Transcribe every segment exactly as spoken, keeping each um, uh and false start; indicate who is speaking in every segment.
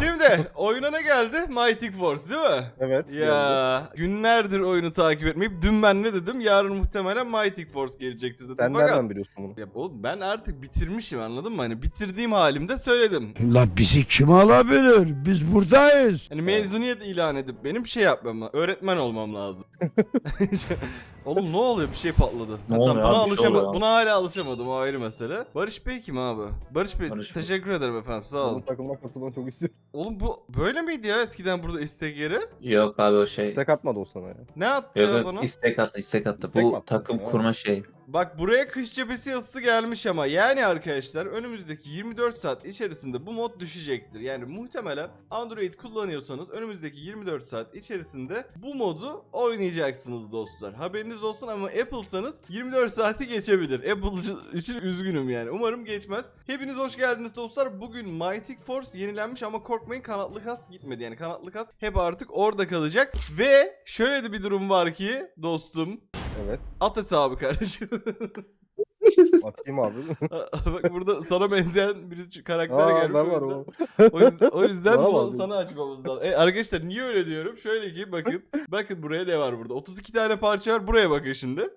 Speaker 1: Şimdi oyuna ne geldi? Mighty Force değil mi?
Speaker 2: Evet.
Speaker 1: Ya günlerdir oyunu takip etmeyip dün ben ne dedim? Yarın muhtemelen Mighty Force gelecektir dedim.
Speaker 2: Sen
Speaker 1: Fakat
Speaker 2: nereden biliyorsun bunu?
Speaker 1: ya oğlum ben artık bitirmişim, anladın mı? Hani bitirdiğim halimde söyledim.
Speaker 3: La bizi kim alabilir? Biz buradayız.
Speaker 1: Hani mezuniyet ilan edip benim şey yapmam lazım. Öğretmen olmam lazım. Oğlum ne oluyor? Bir şey patladı.
Speaker 4: Ne
Speaker 1: Ha,
Speaker 4: oluyor
Speaker 1: tamam, buna
Speaker 4: abi? Bir şey
Speaker 1: alışama-
Speaker 4: oluyor.
Speaker 1: buna hala alışamadım, o ayrı mesele. Barış Bey kim abi? Barış Bey
Speaker 4: Barış Bey.
Speaker 1: teşekkür ederim efendim, sağ olun.
Speaker 2: Onun takımına katılmanı çok istiyorum.
Speaker 1: Oğlum bu böyle miydi ya eskiden burada istek yeri?
Speaker 4: Yok abi o şey.
Speaker 2: İstek atmadı o sana ya.
Speaker 1: Ne attı
Speaker 4: Yok
Speaker 1: ya
Speaker 4: yok
Speaker 1: bana?
Speaker 4: istek attı istek attı.
Speaker 2: İstek mi
Speaker 4: Bu
Speaker 2: attı?
Speaker 4: takım
Speaker 2: Ha.
Speaker 4: kurma şey.
Speaker 1: Bak buraya kış cephesi yazısı gelmiş ama yani arkadaşlar önümüzdeki yirmi dört saat içerisinde bu mod düşecektir. Yani muhtemelen Android kullanıyorsanız önümüzdeki yirmi dört saat içerisinde bu modu oynayacaksınız dostlar. Haberiniz olsun, ama Apple'sanız yirmi dört saati geçebilir. Apple için üzgünüm yani. Umarım geçmez. Hepiniz hoş geldiniz dostlar. Bugün Mighty Force yenilenmiş ama korkmayın, kanatlı kas gitmedi. Yani kanatlı kas hep artık orada kalacak. Ve şöyle de bir durum var ki dostum.
Speaker 2: Evet.
Speaker 1: At hesabı kardeşim.
Speaker 2: Atayım abi.
Speaker 1: Bak burada sana benzeyen bir karakter
Speaker 2: Aa
Speaker 1: gelmiş.
Speaker 2: ben
Speaker 1: o
Speaker 2: var
Speaker 1: yüzden-
Speaker 2: o.
Speaker 1: O yüzden, o yüzden
Speaker 2: Bana
Speaker 1: bunu
Speaker 2: bak.
Speaker 1: sana açmamız lazım. E, arkadaşlar niye öyle diyorum? Şöyle ki bakın. Bakın buraya ne var burada? otuz iki tane parça var. Buraya bakın şimdi.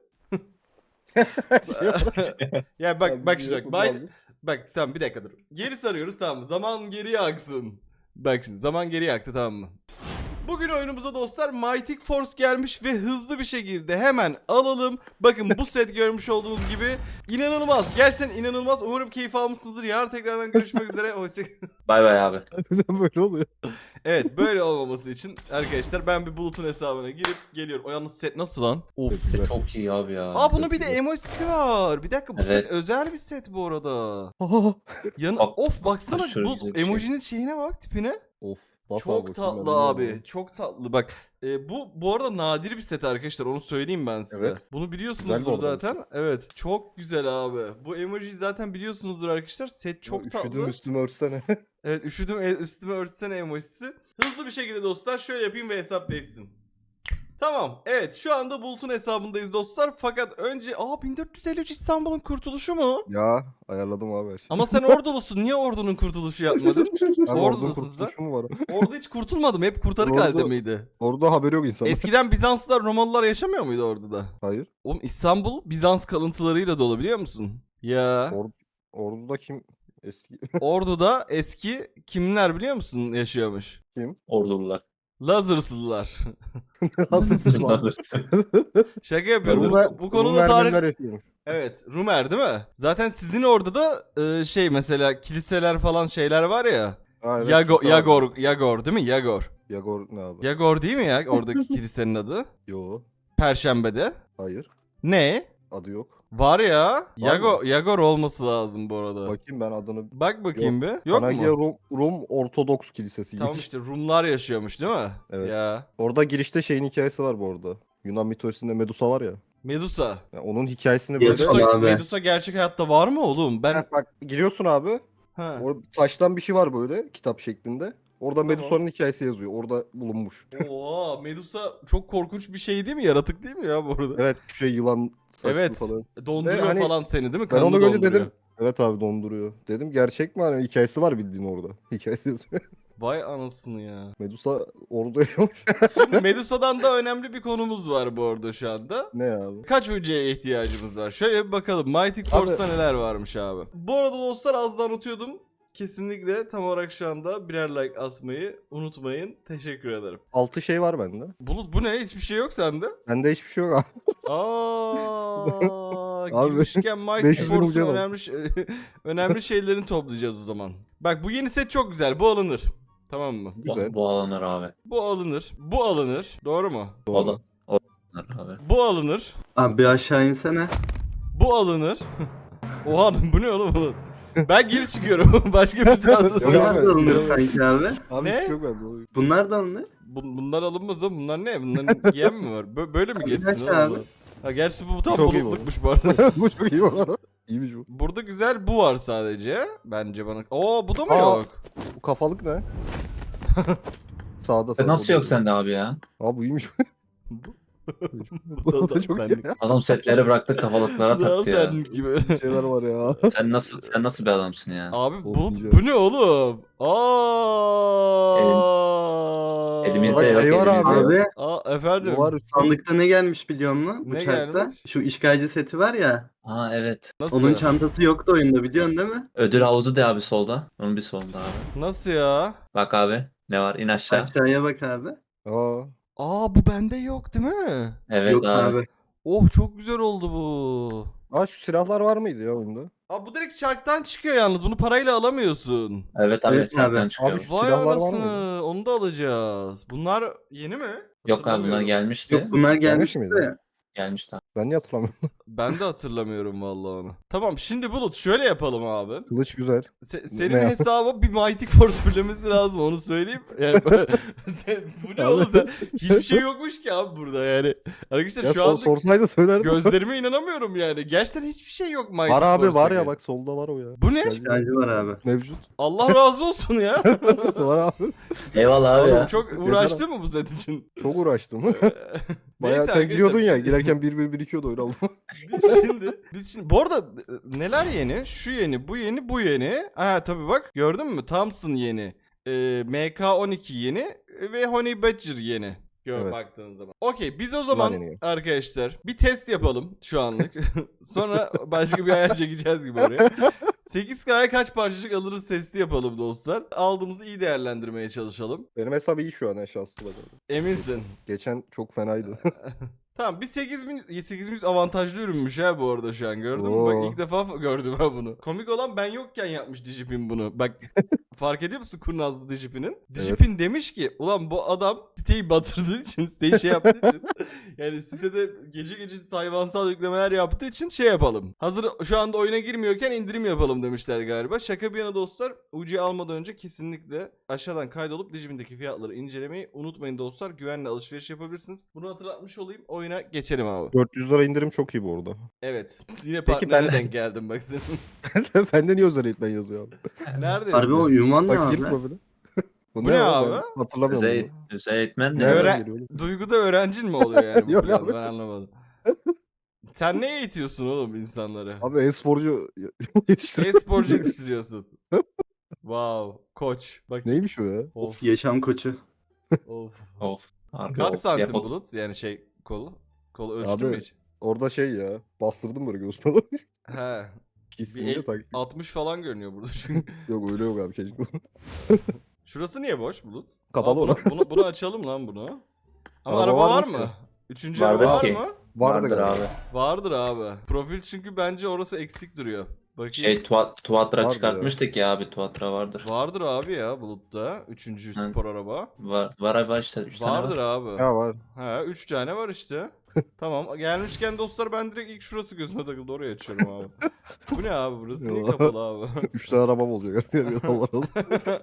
Speaker 1: Ya bak bak şimdi bak. Bay- Bak tamam, bir dakika dur. Geri sarıyoruz, tamam mı? Zaman geriye aksın. Bak şimdi zaman geriye aktı, tamam mı? Bugün oyunumuza dostlar Mighty Force gelmiş ve hızlı bir şekilde hemen alalım. Bakın bu set görmüş olduğunuz gibi inanılmaz. Gerçekten inanılmaz. Umarım keyif almışsınızdır. Yarın tekrardan görüşmek üzere. Hoşça
Speaker 4: Bay bay abi.
Speaker 2: Sen böyle oluyor.
Speaker 1: Evet, böyle olmaması için arkadaşlar ben bir Bulut'un hesabına girip geliyorum. O yalnız set nasıl lan? Of.
Speaker 2: Güzel.
Speaker 4: Çok iyi abi ya.
Speaker 1: Aa bunun bir de emojisi var. Bir dakika, bu
Speaker 4: Evet.
Speaker 1: set özel bir set bu arada.
Speaker 2: Aha.
Speaker 1: Yanı
Speaker 4: Bak,
Speaker 1: of baksana
Speaker 4: aşırı
Speaker 1: bu
Speaker 4: güzel bir şey.
Speaker 1: emojinin şeyine bak, tipine.
Speaker 2: Of. bas
Speaker 1: Çok
Speaker 2: bakayım
Speaker 1: tatlı
Speaker 2: ben
Speaker 1: abi.
Speaker 2: bilmiyorum.
Speaker 1: Çok tatlı. Bak e, bu bu arada nadir bir set arkadaşlar. Onu söyleyeyim ben size.
Speaker 2: Evet.
Speaker 1: Bunu
Speaker 2: Güzel
Speaker 1: biliyorsunuzdur
Speaker 2: bu arada.
Speaker 1: zaten. Evet. Çok güzel abi. Bu emojiyi zaten biliyorsunuzdur arkadaşlar. Set çok
Speaker 2: Ya,
Speaker 1: tatlı.
Speaker 2: Üşüdüm üstüme örtsene.
Speaker 1: Evet, üşüdüm e, üstüme örtsene emojisi. Hızlı bir şekilde dostlar şöyle yapayım ve hesap değişsin. Tamam. Evet, şu anda Bulut'un hesabındayız dostlar. Fakat önce aa bin dört yüz elli üç İstanbul'un kurtuluşu mu?
Speaker 2: Ya ayarladım abi her şeyi.
Speaker 1: Ama sen ordulusun. Niye ordunun kurtuluşu yapmadın?
Speaker 2: Abi
Speaker 1: Ordulun
Speaker 2: ordunun
Speaker 1: siz
Speaker 2: kurtuluşu mu var?
Speaker 1: Orada hiç kurtulmadım. Hep kurtarık
Speaker 2: Ordu-
Speaker 1: halde miydi?
Speaker 2: Orada haberi yok insanın.
Speaker 1: Eskiden Bizanslılar, Romalılar yaşamıyor muydu orada da?
Speaker 2: Hayır.
Speaker 1: Oğlum İstanbul Bizans kalıntılarıyla dolu, biliyor musun? Ya
Speaker 2: Or Ordu'da kim eski?
Speaker 1: Ordu'da eski kimler biliyor musun yaşıyormuş?
Speaker 4: Ordulular.
Speaker 1: Lazerslılar.
Speaker 2: Nasılsın abi?
Speaker 1: Şaka yapıyorum.
Speaker 2: Rumlar-
Speaker 1: bu, bu konuda
Speaker 2: Rumlar
Speaker 1: tarih...
Speaker 2: neler yapıyor?
Speaker 1: Evet, Rumer değil mi? Zaten sizin orada da e, şey mesela kiliseler falan şeyler var ya.
Speaker 2: Ha, evet,
Speaker 1: Yago,
Speaker 2: kimse abi.
Speaker 1: Yagor, Yagor değil mi? Yagor.
Speaker 2: Yagor ne abi?
Speaker 1: Yagor değil mi ya oradaki kilisenin adı?
Speaker 2: Yo.
Speaker 1: Perşembe'de.
Speaker 2: Hayır.
Speaker 1: Ne?
Speaker 2: Adı yok.
Speaker 1: Var ya. Yago,
Speaker 2: mı?
Speaker 1: Yagor olması lazım bu arada.
Speaker 2: Bakayım ben adını.
Speaker 1: Bak bakayım bir. Yok
Speaker 2: Panagia
Speaker 1: mu?
Speaker 2: Rum, Rum Ortodoks Kilisesi.
Speaker 1: Tamam işte Rumlar yaşıyormuş değil mi?
Speaker 2: Evet.
Speaker 1: Ya.
Speaker 2: Orada girişte şeyin hikayesi var bu arada. Yunan mitolojisinde Medusa var ya.
Speaker 1: Medusa.
Speaker 2: Yani onun hikayesini böyle...
Speaker 4: Medusa-
Speaker 1: Medusa,
Speaker 4: abi.
Speaker 1: Medusa gerçek hayatta var mı oğlum? Ben...
Speaker 2: Ha, bak giriyorsun abi.
Speaker 1: Ha.
Speaker 2: Orada taştan bir şey var böyle kitap şeklinde. Orada
Speaker 1: Tamam.
Speaker 2: Medusa'nın hikayesi yazıyor. Orada bulunmuş.
Speaker 1: Oo, Medusa çok korkunç bir şey değil mi? Yaratık değil mi ya bu arada?
Speaker 2: Evet şey yılan saçlı
Speaker 1: Evet.
Speaker 2: falan.
Speaker 1: Donduruyor
Speaker 2: Ve hani
Speaker 1: falan seni değil mi?
Speaker 2: Ben
Speaker 1: Kanını
Speaker 2: onu görünce
Speaker 1: donduruyor.
Speaker 2: dedim. Evet abi donduruyor. Dedim gerçek mi? Hani hikayesi var bildiğin orada. Hikayesi yazıyor.
Speaker 1: Vay anasını ya.
Speaker 2: Medusa orada yaşıyormuş.
Speaker 1: Şimdi Medusa'dan da önemli bir konumuz var bu arada şu anda.
Speaker 2: Ne abi?
Speaker 1: Kaç hücreye ihtiyacımız var? Şöyle bir bakalım. Mighty Force'ta neler varmış abi. Bu arada dostlar az da unutuyordum. Kesinlikle tam olarak şu anda birer like atmayı unutmayın. Teşekkür ederim.
Speaker 2: Altı şey var bende.
Speaker 1: Bulut bu ne? Hiçbir şey yok sende.
Speaker 2: Bende hiçbir şey yok abi.
Speaker 1: Aa,
Speaker 2: Abi,
Speaker 1: girmişken Mighty
Speaker 2: beş yüz bin
Speaker 1: Force'un
Speaker 2: ucuya bak.
Speaker 1: önemli, şey- önemli şeylerini toplayacağız o zaman. Bak bu yeni set çok güzel. Bu alınır. Tamam mı?
Speaker 2: Güzel.
Speaker 4: Bu, bu alınır abi.
Speaker 1: Bu alınır. Bu alınır. Doğru mu?
Speaker 4: O
Speaker 2: Doğru.
Speaker 4: da o alınır abi.
Speaker 1: Bu alınır.
Speaker 5: Abi bir aşağı insene.
Speaker 1: Bu alınır. Oha bu ne oğlum bu? Ben geri çıkıyorum. Başka bir sandım.
Speaker 2: Yok
Speaker 5: Bunlar
Speaker 2: abi.
Speaker 5: da alınır sanki abi.
Speaker 2: Abi
Speaker 1: Ne?
Speaker 2: hiçbir şey yok bende.
Speaker 5: Bunlar da alınır.
Speaker 1: Bu- bunlar alınmaz oğlum. Bunlar ne? Bunların giyen mi var? Bö- böyle mi
Speaker 5: Abi
Speaker 1: geçsin
Speaker 5: kaç
Speaker 1: oğlum?
Speaker 5: abi?
Speaker 1: bu? Ha gerçi bu tam
Speaker 2: Çok iyi bu.
Speaker 1: bulutlukmuş bu arada.
Speaker 2: Bu çok iyi bu arada. İyiymiş bu.
Speaker 1: Burada güzel bu var sadece. Bence bana. Oo bu da mı
Speaker 2: Aa.
Speaker 1: yok?
Speaker 2: Bu kafalık ne? Sağda
Speaker 4: E,
Speaker 2: sağda.
Speaker 4: Nasıl yok sende abi ya?
Speaker 2: Abi bu iyiymiş.
Speaker 1: Bu-
Speaker 2: Bu
Speaker 1: da
Speaker 2: da çok iyi
Speaker 1: senlik.
Speaker 2: ya.
Speaker 4: Adam setleri bıraktı kafalıklara
Speaker 1: Daha
Speaker 4: taktı ya.
Speaker 1: sen gibi.
Speaker 2: Bir şeyler var ya.
Speaker 4: Sen nasıl sen nasıl bir adamsın ya?
Speaker 1: Abi
Speaker 2: Of,
Speaker 1: bu,
Speaker 2: diyeceğim.
Speaker 1: bu ne oğlum? Aa
Speaker 4: Elimizde
Speaker 2: Bak,
Speaker 4: yok
Speaker 2: şey var
Speaker 4: elimizde yok.
Speaker 5: Abi
Speaker 1: Aa efendim.
Speaker 2: Bu var üstte.
Speaker 5: sandıkta ne gelmiş biliyor musun?
Speaker 1: Ne
Speaker 5: Uçakta.
Speaker 1: gelmiş?
Speaker 5: Şu işgalci seti var ya.
Speaker 4: Ha evet.
Speaker 1: Nasıl?
Speaker 5: Onun çantası yoktu oyunda biliyorsun değil mi?
Speaker 4: Ödül havuzu de abi solda. Onun bir solunda abi.
Speaker 1: Nasıl ya?
Speaker 4: Bak abi. Ne var? İn aşağı.
Speaker 5: Aşağıya bak abi.
Speaker 2: Aa.
Speaker 1: Aa bu bende yok değil mi?
Speaker 4: Evet
Speaker 5: Yok
Speaker 4: abi.
Speaker 5: abi.
Speaker 1: Oh çok güzel oldu bu.
Speaker 2: Aa şu silahlar var mıydı ya oyunda?
Speaker 1: Aa bu direkt çarktan çıkıyor yalnız. Bunu parayla alamıyorsun.
Speaker 4: Evet abi.
Speaker 5: Evet
Speaker 4: çarktan
Speaker 5: abi.
Speaker 4: çıkıyor.
Speaker 2: Abi şu
Speaker 1: Vay
Speaker 2: silahlar var
Speaker 1: anasını.
Speaker 2: mıydı?
Speaker 1: Onu da alacağız. Bunlar yeni mi?
Speaker 4: Yok abi bunlar
Speaker 1: Hatırlamıyorum.
Speaker 4: gelmişti.
Speaker 5: Yok bunlar
Speaker 2: Gelmiş
Speaker 5: gelmişti
Speaker 2: miydi?
Speaker 5: de.
Speaker 4: Gelmişti abi.
Speaker 2: Ben niye hatırlamıyorum?
Speaker 1: Ben de hatırlamıyorum vallahi onu. Tamam şimdi Bulut şöyle yapalım abi.
Speaker 2: Kılıç güzel.
Speaker 1: Se- senin
Speaker 2: Ne yap-
Speaker 1: hesaba bir Mighty Force fırlaması lazım onu söyleyeyim. Yani sen- bu ne
Speaker 2: Abi.
Speaker 1: oğlum sen? Hiçbir şey yokmuş ki abi burada yani. Arkadaşlar
Speaker 2: Ya
Speaker 1: şu
Speaker 2: sor,
Speaker 1: anda
Speaker 2: sorsaydı söylerdim.
Speaker 1: gözlerime inanamıyorum yani. Gerçekten hiçbir şey yok Mighty
Speaker 2: Var abi var
Speaker 1: Force'taki.
Speaker 2: ya bak solda var o ya.
Speaker 1: Bu ne?
Speaker 2: Geldi.
Speaker 5: İşgalci var abi.
Speaker 2: Mevcut.
Speaker 1: Allah razı olsun ya.
Speaker 2: Var abi.
Speaker 4: Eyvallah abi
Speaker 1: Oğlum
Speaker 4: ya.
Speaker 1: çok uğraştın mı bu set için?
Speaker 2: Çok uğraştım. Bayağı
Speaker 1: Neyse
Speaker 2: sen
Speaker 1: arkadaşlar,
Speaker 2: giriyordun ya girerken bir bir birikiyordu öyle aldım.
Speaker 1: Biz şimdi, biz şimdi bu arada e, neler yeni? Şu yeni, bu yeni, bu yeni. Ha tabii bak gördün mü? Thompson yeni. Ee, M K on iki yeni e, ve Honey Badger yeni. Gör
Speaker 2: Evet.
Speaker 1: baktığın zaman. Okey biz o zaman
Speaker 2: yeni.
Speaker 1: arkadaşlar bir test yapalım şu anlık. Sonra başka bir ayar çekeceğiz gibi oraya. sekiz K'ya kaç parçacık alırız testi yapalım dostlar. Aldığımızı iyi değerlendirmeye çalışalım.
Speaker 2: Benim hesap iyi şu an ya şanslı bakalım.
Speaker 1: Eminsin.
Speaker 2: Geçen çok fenaydı.
Speaker 1: Tamam bir sekiz bin sekiz bin avantajlı ürünmüş ha bu arada şu an gördün mü?
Speaker 2: Oo.
Speaker 1: Bak ilk defa f- gördüm ha bunu. Komik olan ben yokken yapmış Digipin bunu. Bak fark ediyor musun kurnazlı Digipin'in? Digipin demiş ki ulan bu adam siteyi batırdığı için siteyi şey yaptığı için yani sitede gece gece hayvansal yüklemeler yaptığı için şey yapalım. Hazır şu anda oyuna girmiyorken indirim yapalım demişler galiba. Şaka bir yana dostlar U C almadan önce kesinlikle aşağıdan kaydolup Digipin'deki fiyatları incelemeyi unutmayın dostlar. Güvenle alışveriş yapabilirsiniz. Bunu hatırlatmış olayım. Oyuna geçelim abi.
Speaker 2: dört yüz lira indirim çok iyi bu arada.
Speaker 1: Evet. Yine
Speaker 2: Peki
Speaker 1: partnere
Speaker 2: ben-
Speaker 1: denk geldim bak senin.
Speaker 2: Bende niye özel eğitmen yazıyor abi?
Speaker 1: Nerede?
Speaker 5: Harbi o ünvan ne
Speaker 2: Bak gir
Speaker 5: abi?
Speaker 2: profile.
Speaker 1: Bu ne abi?
Speaker 2: Ben hatırlamıyorum.
Speaker 4: Düzey,
Speaker 2: bunu.
Speaker 4: düzey eğitmen
Speaker 1: Ne
Speaker 4: ne?
Speaker 1: öğren-
Speaker 2: Nereden geliyor oğlum?
Speaker 1: Duyguda öğrencin mi oluyor yani bu
Speaker 2: Yok
Speaker 1: plan?
Speaker 2: abi.
Speaker 1: Ben anlamadım. Sen ne eğitiyorsun oğlum insanları?
Speaker 2: Abi e-sporcu yetiştiriyor.
Speaker 1: E-sporcu yetiştiriyorsun. Wow. Koç. Bak.
Speaker 2: Neymiş o ya?
Speaker 1: Of.
Speaker 5: Yaşam koçu.
Speaker 1: Of.
Speaker 4: Of. Harbi
Speaker 1: Kaç
Speaker 4: of.
Speaker 1: santim
Speaker 4: Yapalım.
Speaker 1: Bulut? Yani şey kolu. Kolu ölçtün
Speaker 2: Abi,
Speaker 1: mü hiç?
Speaker 2: Orada şey ya bastırdım böyle göğsüme doğru.
Speaker 1: He.
Speaker 2: Gitsin
Speaker 1: Bir
Speaker 2: de
Speaker 1: el-
Speaker 2: tak.
Speaker 1: altmış falan görünüyor burada çünkü.
Speaker 2: Yok öyle yok abi keşke.
Speaker 1: Şurası niye boş Bulut?
Speaker 2: Kapalı
Speaker 1: Aa, bunu,
Speaker 2: olarak.
Speaker 1: bunu, bunu açalım lan bunu. Ama
Speaker 2: Araba
Speaker 1: araba
Speaker 2: var
Speaker 1: var
Speaker 2: mı
Speaker 1: mı?
Speaker 2: ki?
Speaker 1: Üçüncü
Speaker 4: Vardır
Speaker 1: araba var
Speaker 4: ki.
Speaker 1: mı?
Speaker 2: Vardı
Speaker 4: Vardır
Speaker 2: galiba.
Speaker 4: abi.
Speaker 1: Vardır abi. Profil çünkü bence orası eksik duruyor. Bakayım.
Speaker 4: Şey tuat, Tuatra
Speaker 2: Vardır
Speaker 4: çıkartmıştık ya abi. Tuatra vardır.
Speaker 1: Vardır abi ya Bulut'ta. Üçüncü
Speaker 4: Hı.
Speaker 1: spor araba.
Speaker 4: Var, var abi var işte. Üç tane
Speaker 1: Vardır
Speaker 4: var.
Speaker 1: abi.
Speaker 2: Ya var.
Speaker 1: Ha üç tane var işte. Tamam gelmişken dostlar ben direkt ilk şurası gözüme takıldı oraya açıyorum abi. Bu ne abi burası niye
Speaker 2: Yo.
Speaker 1: kapalı abi?
Speaker 2: Üç tane arabam olacak. Allah razı olsun.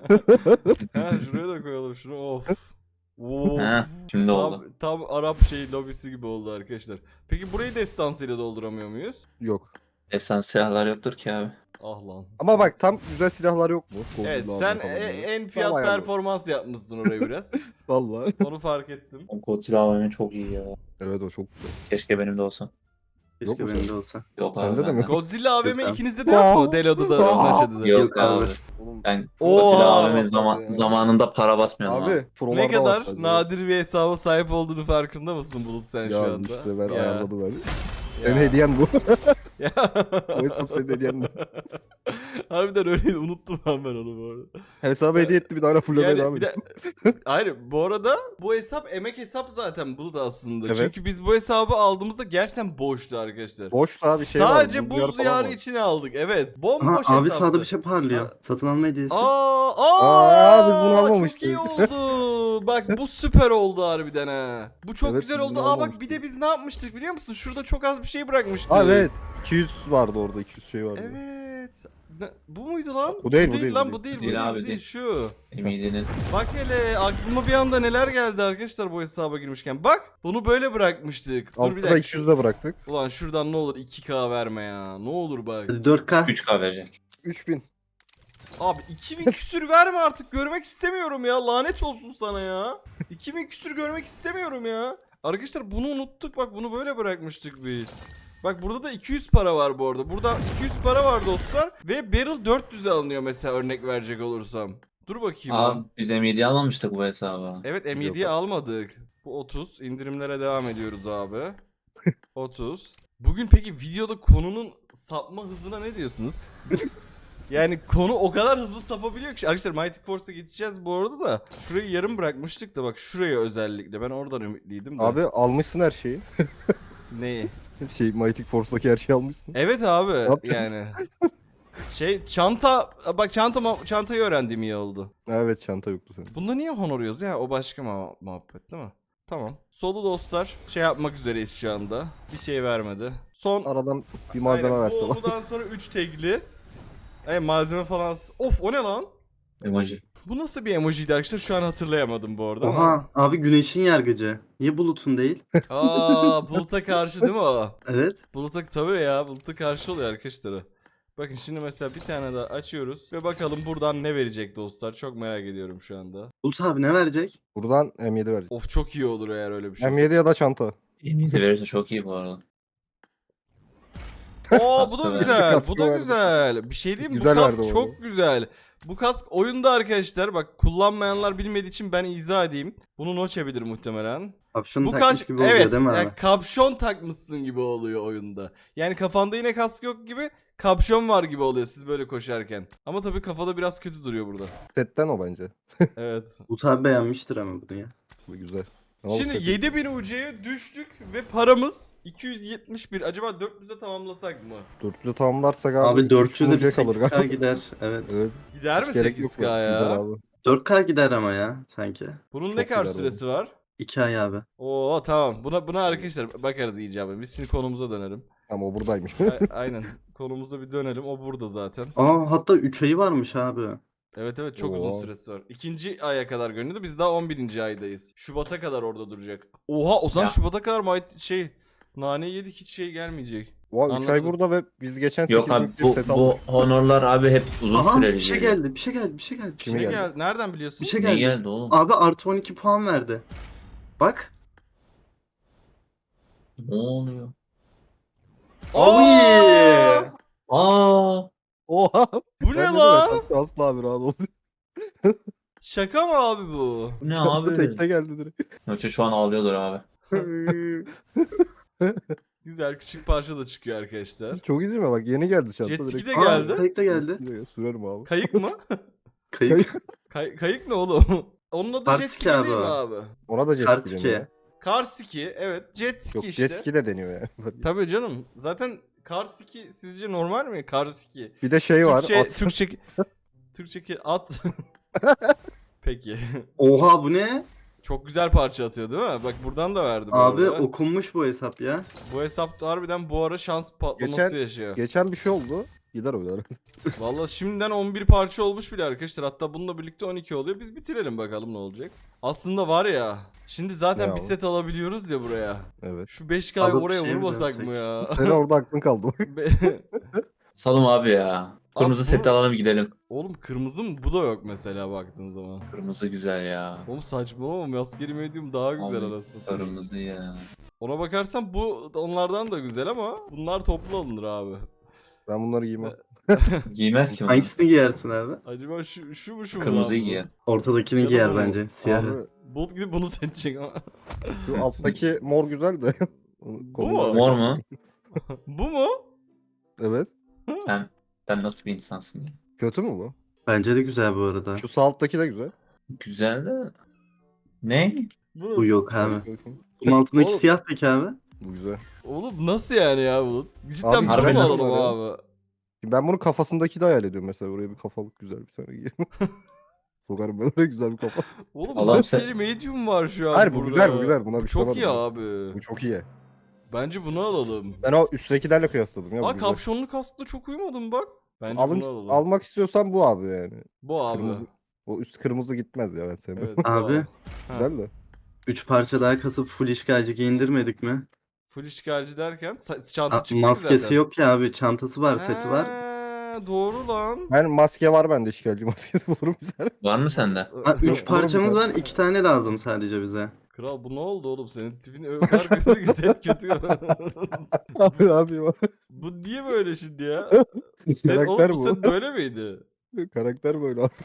Speaker 1: Ha şuraya da koyalım şunu of. Of.
Speaker 4: Ha, şimdi
Speaker 1: tam,
Speaker 4: oldu.
Speaker 1: tam Arap şey lobisi gibi oldu arkadaşlar. Peki burayı destansıyla dolduramıyor muyuz?
Speaker 2: Yok.
Speaker 4: Esans silahlar yoktur ki abi.
Speaker 1: Ah lan.
Speaker 2: Ama bak tam güzel silahlar yok mu?
Speaker 1: Evet
Speaker 2: Godzilla
Speaker 1: sen
Speaker 2: falan
Speaker 1: e-
Speaker 2: böyle.
Speaker 1: en fiyat
Speaker 2: Tam ayarlı.
Speaker 1: performans yapmışsın orayı biraz.
Speaker 2: Vallahi.
Speaker 1: Onu fark ettim.
Speaker 4: O Godzilla A V M çok iyi ya.
Speaker 2: Evet o çok güzel.
Speaker 4: Keşke benim de olsa.
Speaker 2: Yok
Speaker 5: Keşke
Speaker 2: mu
Speaker 5: benim
Speaker 2: senin?
Speaker 5: de olsa.
Speaker 4: Yok
Speaker 2: Sende
Speaker 4: abi.
Speaker 2: de mi?
Speaker 4: bende.
Speaker 1: Godzilla A V M
Speaker 5: Yok abi.
Speaker 1: ikinizde de yok mu? Delo'da da Naşa'da da.
Speaker 4: Yok
Speaker 5: Yok abi.
Speaker 4: abi.
Speaker 2: Oğlum,
Speaker 4: Ben
Speaker 1: Oo.
Speaker 4: Godzilla A V M
Speaker 2: Abi.
Speaker 4: zaman, zamanında para basmıyordum abi.
Speaker 2: abi prolarda
Speaker 1: Ne
Speaker 2: var
Speaker 1: kadar
Speaker 2: sadece.
Speaker 1: nadir bir hesaba sahip olduğunu farkında mısın Bulut sen şu
Speaker 2: Ya
Speaker 1: anda?
Speaker 2: işte ben
Speaker 1: Ya.
Speaker 2: ayarladım ben.
Speaker 1: Ya.
Speaker 2: Senin hediyen bu.
Speaker 1: Ya.
Speaker 2: O hesap senin hediyen bu.
Speaker 1: Harbiden öyleydi unuttum ben, ben onu bu arada.
Speaker 2: Hesabı hediye etti bir daha fullemeye
Speaker 1: Yani
Speaker 2: devam
Speaker 1: bir de,
Speaker 2: ediyor.
Speaker 1: hayır bu arada bu hesap emek hesap zaten Bulut aslında.
Speaker 2: Evet.
Speaker 1: Çünkü biz bu hesabı aldığımızda gerçekten boştu arkadaşlar.
Speaker 2: Boştu abi şey var.
Speaker 1: Sadece
Speaker 2: buz diyarı
Speaker 1: buz
Speaker 2: falan
Speaker 1: diyarı
Speaker 2: var.
Speaker 1: içine aldık. Evet.
Speaker 5: Aha,
Speaker 1: Bomboş
Speaker 5: abi
Speaker 1: hesaptı.
Speaker 5: sağda bir şey parlıyor.
Speaker 1: Ha.
Speaker 5: Satın alma hediyesi.
Speaker 1: Aa, aa,
Speaker 2: Aa, biz bunu almamıştık.
Speaker 1: Çok iyi oldu. Bak bu süper oldu harbiden ha. Bu çok
Speaker 2: Evet,
Speaker 1: güzel
Speaker 2: biz
Speaker 1: oldu.
Speaker 2: bunu
Speaker 1: Aa bak
Speaker 2: almamıştık.
Speaker 1: bir de biz ne yapmıştık biliyor musun? Şurada çok az bir şey bırakmıştık.
Speaker 2: Aa evet. iki yüz vardı orada iki yüz şey vardı.
Speaker 1: Evet. Ne- bu muydu lan?
Speaker 2: Bu değil, bu değil,
Speaker 1: lan
Speaker 2: bu
Speaker 1: bu
Speaker 2: değil.
Speaker 1: değil, bu
Speaker 4: Değil
Speaker 1: değil,
Speaker 4: abi,
Speaker 1: bu değil,
Speaker 4: değil.
Speaker 1: şu.
Speaker 4: Emidi'nin.
Speaker 1: Bak hele aklıma bir anda neler geldi arkadaşlar bu hesaba girmişken. Bak bunu böyle bırakmıştık. Dur bir
Speaker 2: Altta da
Speaker 1: dakika.
Speaker 2: iki yüz de bıraktık.
Speaker 1: Ulan şuradan ne olur iki K verme ya. Ne olur bak.
Speaker 5: Hadi dört K.
Speaker 4: üç K verecek.
Speaker 2: üç bin.
Speaker 1: Abi iki bin küsür verme artık görmek istemiyorum ya. Lanet olsun sana ya. iki bin küsür görmek istemiyorum ya. Arkadaşlar bunu unuttuk bak bunu böyle bırakmıştık biz. Bak burada da iki yüz para var bu arada. Burada iki yüz para var dostlar. Ve barrel dört yüze alınıyor mesela örnek verecek olursam. Dur bakayım.
Speaker 4: Abi
Speaker 1: lan.
Speaker 4: biz M yediyi almamıştık bu hesaba.
Speaker 1: Evet M yediyi almadık. Bu otuz. İndirimlere devam ediyoruz abi. otuz. Bugün peki videoda konunun sapma hızına ne diyorsunuz? Yani konu o kadar hızlı sapabiliyor ki. Arkadaşlar Mighty Force'a geçeceğiz bu arada da. Şurayı yarım bırakmıştık da bak şuraya özellikle. Ben oradan ümitliydim de.
Speaker 2: Abi almışsın her şeyi.
Speaker 1: Neyi?
Speaker 2: Şey Mighty Force'daki her şeyi almışsın.
Speaker 1: Evet abi
Speaker 2: yapacağız?
Speaker 1: yani. Şey çanta bak çanta çantayı öğrendiğim iyi oldu.
Speaker 2: Evet çanta yoktu senin.
Speaker 1: Bunda niye honoriyoruz ya? O başka mu- muhabbet değil mi? Tamam. Solu dostlar şey yapmak üzereyiz şu anda. Bir şey vermedi. Son
Speaker 2: Aradan bir malzeme
Speaker 1: aynen,
Speaker 2: verse
Speaker 1: bu
Speaker 2: bak.
Speaker 1: oldudan sonra üç tegli. Evet malzeme falan. Of o ne lan?
Speaker 4: Emoji.
Speaker 1: Bu nasıl bir emojiydi arkadaşlar? Şu an hatırlayamadım bu arada ama.
Speaker 5: Oha abi güneşin yargıcı. Niye bulutun değil?
Speaker 1: Aa buluta karşı değil mi o?
Speaker 5: Evet.
Speaker 1: Buluta tabii ya buluta karşı oluyor arkadaşlar o. Bakın şimdi mesela bir tane daha açıyoruz ve bakalım buradan ne verecek dostlar. Çok merak ediyorum şu anda.
Speaker 5: Bulut abi ne verecek?
Speaker 2: Buradan M yedi verecek.
Speaker 1: Of çok iyi olur eğer öyle bir şey.
Speaker 2: M yedi ya da çanta.
Speaker 4: M yedi verirse çok iyi bu arada.
Speaker 1: Oo bu da
Speaker 4: Kaskı
Speaker 1: güzel.
Speaker 2: verdi.
Speaker 1: Bu da
Speaker 2: Kaskı
Speaker 1: güzel. Bir şey diyeyim mi? Bu
Speaker 2: Güzel
Speaker 1: kask
Speaker 2: verdi
Speaker 1: çok
Speaker 2: onu.
Speaker 1: güzel. Bu kask oyunda arkadaşlar bak kullanmayanlar bilmediği için ben izah edeyim. Bunu noche bilir muhtemelen.
Speaker 5: Kapşonu
Speaker 1: Bu
Speaker 5: takmış
Speaker 1: kask
Speaker 5: gibi oluyor
Speaker 1: evet
Speaker 5: değil mi abi?
Speaker 1: yani kapşon takmışsın gibi oluyor oyunda. Yani kafanda yine kask yok gibi kapşon var gibi oluyor siz böyle koşarken. Ama tabii kafada biraz kötü duruyor burada.
Speaker 2: Setten o bence.
Speaker 1: Evet.
Speaker 5: Bulut abi beğenmiştir ama bunu ya.
Speaker 2: Bu güzel. Ama bu
Speaker 1: Şimdi
Speaker 2: seti-
Speaker 1: yedi bin U C'ye düştük ve paramız iki yüz yetmiş bir. Acaba dört yüze tamamlasak mı?
Speaker 2: dörtlü tamamlarsak abi.
Speaker 5: Abi dört yüze bir
Speaker 2: üç kalır
Speaker 5: sekiz K
Speaker 2: galiba.
Speaker 5: gider. Evet.
Speaker 2: Evet.
Speaker 1: Gider mi
Speaker 2: hiç gerek yok
Speaker 1: sekiz K
Speaker 2: mu?
Speaker 1: ya?
Speaker 2: Gider abi.
Speaker 5: dört K gider ama ya sanki.
Speaker 1: Bunun
Speaker 2: Çok
Speaker 1: ne kadar
Speaker 2: gider
Speaker 1: süresi var?
Speaker 5: iki ay abi.
Speaker 1: Oo tamam. Buna buna arkadaşlar bakarız icabı. Biz şimdi konumuza dönelim.
Speaker 2: Ama o buradaymış.
Speaker 1: A- aynen. Konumuza bir dönelim. O burada zaten.
Speaker 5: Aa hatta üç ayı varmış abi.
Speaker 1: Evet evet çok uzun
Speaker 2: Oo.
Speaker 1: süresi var. İkinci aya kadar görünüyordu. Biz daha on birinci aydayız. Şubat'a kadar orada duracak. Oha o zaman
Speaker 4: Ya.
Speaker 1: Şubat'a kadar might şey nane yedik hiç şey gelmeyecek.
Speaker 2: Oha üç ay
Speaker 1: Anladınız.
Speaker 2: burada ve biz geçen
Speaker 4: Yok
Speaker 2: sekiz
Speaker 4: abi
Speaker 2: bin bir
Speaker 4: bu,
Speaker 2: set
Speaker 4: bu
Speaker 2: aldık.
Speaker 4: honorlar abi hep uzun
Speaker 5: Aha
Speaker 4: süreli.
Speaker 5: bir şey
Speaker 4: geliyor.
Speaker 5: geldi bir şey geldi bir şey geldi. Bir şey
Speaker 2: Kime
Speaker 1: Ne
Speaker 2: geldi?
Speaker 1: geldi? Nereden biliyorsun?
Speaker 5: Bir şey
Speaker 4: Ne
Speaker 5: geldi.
Speaker 4: geldi oğlum?
Speaker 5: Abi artı on iki puan verdi. Bak.
Speaker 4: Ne oluyor?
Speaker 1: Aa!
Speaker 4: Aa!
Speaker 2: Oha.
Speaker 1: Bu ne
Speaker 2: Ben dedim
Speaker 1: lan?
Speaker 2: hesapta asla abi rahat ol.
Speaker 1: Şaka mı abi bu?
Speaker 4: Bu ne
Speaker 2: Çanta
Speaker 4: abi?
Speaker 2: tekte geldi direkt.
Speaker 4: Yoksa şu an ağlıyordur abi.
Speaker 1: Güzel küçük parça da çıkıyor arkadaşlar.
Speaker 2: Çok iyi değil mi? Bak yeni geldi çanta
Speaker 1: Jet ski
Speaker 2: direkt.
Speaker 1: de
Speaker 5: Aa,
Speaker 1: geldi.
Speaker 5: kayık da geldi.
Speaker 2: Jet ski de geldi. Sürerim abi.
Speaker 1: Kayık mı?
Speaker 5: Kayık.
Speaker 1: Kay- kayık ne oğlum? Onun adı
Speaker 5: Kar
Speaker 1: jet
Speaker 5: ski
Speaker 1: ski değil
Speaker 5: abi
Speaker 1: mi
Speaker 5: o.
Speaker 1: abi?
Speaker 2: Ona da jet
Speaker 5: Kar
Speaker 2: ski
Speaker 5: ski.
Speaker 2: deniyor ya.
Speaker 1: Kar ski evet jet ski
Speaker 2: Yok
Speaker 1: işte.
Speaker 2: jet ski de deniyor ya.
Speaker 1: Tabii canım. Zaten kar ski sizce normal mi? Kar ski.
Speaker 2: Bir de şey var.
Speaker 1: Türkçe,
Speaker 2: at.
Speaker 1: Türkçe, Türkçe ki- at. Peki.
Speaker 5: Oha bu ne?
Speaker 1: Çok güzel parça atıyor değil mi? Bak buradan da verdi bu
Speaker 5: Abi
Speaker 1: arada.
Speaker 5: okunmuş bu hesap ya.
Speaker 1: Bu hesapta harbiden bu ara şans patlaması
Speaker 2: Geçen-
Speaker 1: yaşıyor.
Speaker 2: Geçen bir şey oldu. Gider o kadar.
Speaker 1: Vallahi şimdiden on bir parça olmuş bile arkadaşlar. Hatta bununla birlikte on iki oluyor. Biz bitirelim bakalım ne olacak. Aslında var ya. Şimdi zaten
Speaker 2: Ne
Speaker 1: bir
Speaker 2: abi?
Speaker 1: set alabiliyoruz ya buraya.
Speaker 2: Evet.
Speaker 1: Şu beş K'yı
Speaker 5: Alıp
Speaker 1: oraya
Speaker 5: şey mi
Speaker 1: vurmasak
Speaker 5: dönsek?
Speaker 1: mı ya?
Speaker 2: Senin orada aklın kaldı.
Speaker 1: Be-
Speaker 4: Salım abi ya. Kırmızı
Speaker 1: Abi bu-
Speaker 4: seti alalım gidelim.
Speaker 1: Oğlum kırmızı mı? Bu da yok mesela baktığın zaman.
Speaker 4: Kırmızı güzel ya.
Speaker 1: Oğlum saçmalama maskeli medium daha güzel
Speaker 4: Abi,
Speaker 1: anasını satayım.
Speaker 4: Kırmızı ya.
Speaker 1: Ona bakarsan bu onlardan da güzel ama bunlar toplu alınır abi.
Speaker 2: Ben bunları giymem.
Speaker 4: Giymez ki onu.
Speaker 5: Hangisini giyersin abi?
Speaker 1: Acaba şu, şu mu şu mu?
Speaker 4: Kırmızıyı
Speaker 1: lan bu?
Speaker 4: giyer.
Speaker 5: Ortadakini
Speaker 1: Ya da
Speaker 5: giyer
Speaker 1: bu.
Speaker 5: bence. Siyahı.
Speaker 2: Abi
Speaker 1: Bulut gidip bunu seçecek ama.
Speaker 2: şu alttaki mor güzel de. Onu
Speaker 1: mu?
Speaker 2: kombinle-
Speaker 4: Mor mu?
Speaker 1: Bu mu?
Speaker 2: Evet.
Speaker 4: Sen sen nasıl bir insansın ya?
Speaker 2: Kötü mü bu?
Speaker 5: Bence de güzel bu arada.
Speaker 2: Şu sağ alttaki de güzel.
Speaker 4: Güzel de. Ne?
Speaker 1: Bu.
Speaker 5: Bu yok abi.
Speaker 2: Bakayım.
Speaker 5: Bunun altındaki
Speaker 1: Oğlum.
Speaker 5: siyah peki abi?
Speaker 2: Bu güzel.
Speaker 1: Oğlum nasıl yani ya Bulut? Cidden
Speaker 2: Abi,
Speaker 1: bunu
Speaker 4: harbi
Speaker 1: mu
Speaker 4: nasıl
Speaker 1: alalım
Speaker 2: ya?
Speaker 1: abi?
Speaker 2: Şimdi ben bunu kafasındaki de hayal ediyorum mesela. Buraya bir kafalık güzel bir tane giyeyim. Sokarım ben oraya güzel bir kafa.
Speaker 1: Oğlum
Speaker 4: Allah'ım
Speaker 1: maskeli
Speaker 4: sen-
Speaker 1: medium var şu an
Speaker 2: Hayır bu
Speaker 1: burada.
Speaker 2: güzel bu güzel. Buna
Speaker 1: Bu
Speaker 2: bir şey
Speaker 1: çok iyi
Speaker 2: demedim.
Speaker 1: abi.
Speaker 2: Bu çok iyi.
Speaker 1: Bence bunu alalım.
Speaker 2: Ben o üsttekilerle kıyasladım ya. bu
Speaker 1: Aa
Speaker 2: güzel.
Speaker 1: kapşonlu kaskla çok uyumadım bak. Bence
Speaker 2: Alın,
Speaker 1: bunu alalım.
Speaker 2: almak istiyorsan bu abi yani.
Speaker 1: Bu abi.
Speaker 2: Kırmızı. O üst kırmızı gitmez ya ben sevmem.
Speaker 1: Evet, bu
Speaker 5: Abi.
Speaker 1: Ha.
Speaker 2: Güzel de.
Speaker 5: Üç parça daha kasıp full işgalci giyindirmedik mi?
Speaker 1: Full işgalci derken sa- çanta
Speaker 5: Aa,
Speaker 1: çıktı ki
Speaker 5: maskesi
Speaker 1: zaten.
Speaker 5: yok ya abi. Çantası var, seti var.
Speaker 1: Ha, doğru lan.
Speaker 2: Ben maske var bende işgalci maskesi bulurum güzel.
Speaker 4: Var mı sende?
Speaker 5: Ha,
Speaker 2: Yok,
Speaker 5: üç
Speaker 2: olur
Speaker 5: parçamız
Speaker 2: bir
Speaker 5: var. iki tane lazım sadece bize.
Speaker 1: Kral bu ne oldu oğlum senin tipin o kadar kötü ki set kötü.
Speaker 2: abi abi bak.
Speaker 1: Bu niye böyle şimdi ya? Sen,
Speaker 2: Karakter
Speaker 1: oğlum bu
Speaker 2: bu.
Speaker 1: set böyle miydi?
Speaker 2: Karakter böyle abi.